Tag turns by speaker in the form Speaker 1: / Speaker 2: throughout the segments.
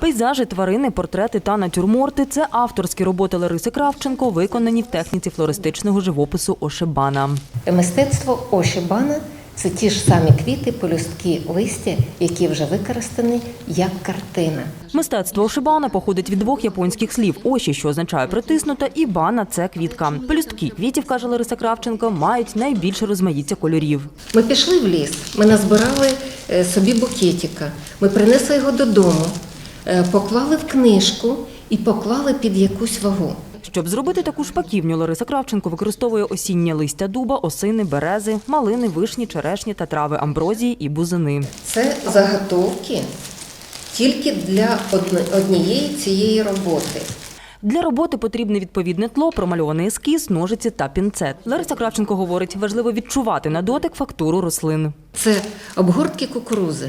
Speaker 1: Пейзажі, тварини, портрети та натюрморти – це авторські роботи Лариси Кравченко, виконані в техніці флористичного живопису ошибана.
Speaker 2: Мистецтво ошибана – це ті ж самі квіти, пелюстки, листя, які вже використані як картина.
Speaker 1: Мистецтво ошибана походить від двох японських слів – оші, що означає притиснута, і бана – це квітка. Пелюстки квітів, каже Лариса Кравченко, мають найбільше розмаїття кольорів.
Speaker 2: Ми пішли в ліс, ми назбирали собі букетика, ми принесли його додому, поклали в книжку і поклали під якусь вагу.
Speaker 1: Щоб зробити таку шпаківню, Лариса Кравченко використовує осіннє листя дуба, осини, берези, малини, вишні, черешні та трави амброзії і бузини.
Speaker 2: Це заготовки тільки для однієї цієї роботи.
Speaker 1: Для роботи потрібне відповідне тло, промальований ескіз, ножиці та пінцет. Лариса Кравченко говорить, важливо відчувати на дотик фактуру рослин.
Speaker 2: Це обгортки кукурузи.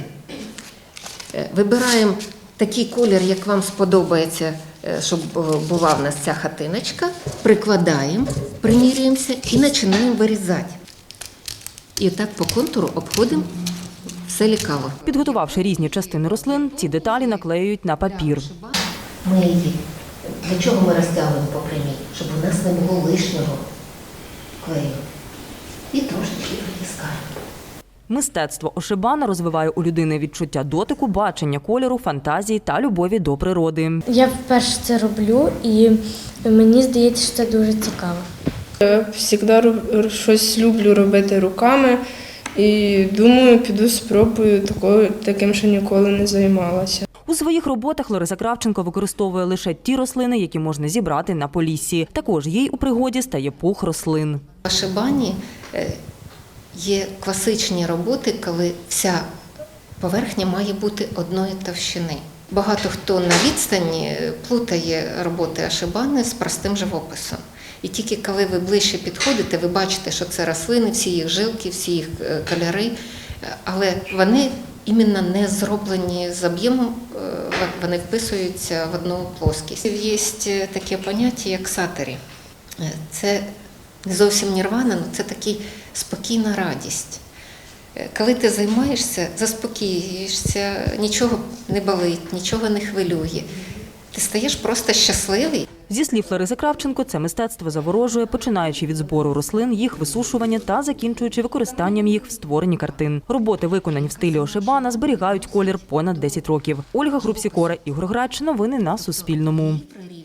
Speaker 2: Вибираємо такий колір, як вам сподобається, щоб була в нас ця хатиночка, прикладаємо, примірюємося і починаємо вирізати. І так по контуру обходимо все лікаво.
Speaker 1: Підготувавши різні частини рослин, ці деталі наклеюють на папір.
Speaker 2: Ми її, для чого ми розтягуємо по прямій? Щоб у нас не було лишнього клею. І трошечки притискаємо.
Speaker 1: Мистецтво ошибана розвиває у людини відчуття дотику, бачення кольору, фантазії та любові до природи.
Speaker 3: Я вперше це роблю і мені здається, що це дуже цікаво.
Speaker 4: Я завжди щось люблю робити руками і думаю, піду спробую таким, що ніколи не займалася.
Speaker 1: У своїх роботах Лариса Кравченко використовує лише ті рослини, які можна зібрати на Поліссі. Також їй у пригоді стає пух рослин.
Speaker 2: В ошибані є класичні роботи, коли вся поверхня має бути одної товщини. Багато хто на відстані плутає роботи ошибани з простим живописом. І тільки коли ви ближче підходите, ви бачите, що це рослини, всі їх жилки, всі їх кольори, але вони іменно не зроблені з об'ємом, вони вписуються в одну плоскість. Є таке поняття, як сатері. Це не зовсім нірвана, але це такий спокійна радість. Коли ти займаєшся, заспокоюєшся, нічого не болить, нічого не хвилює. Ти стаєш просто щасливий.
Speaker 1: Зі слів Лариси Кравченко, це мистецтво заворожує, починаючи від збору рослин, їх висушування та закінчуючи використанням їх в створенні картин. Роботи, виконані в стилі ошибана, зберігають колір понад 10 років. Ольга Грубсікора, Ігор Грач. Новини на Суспільному.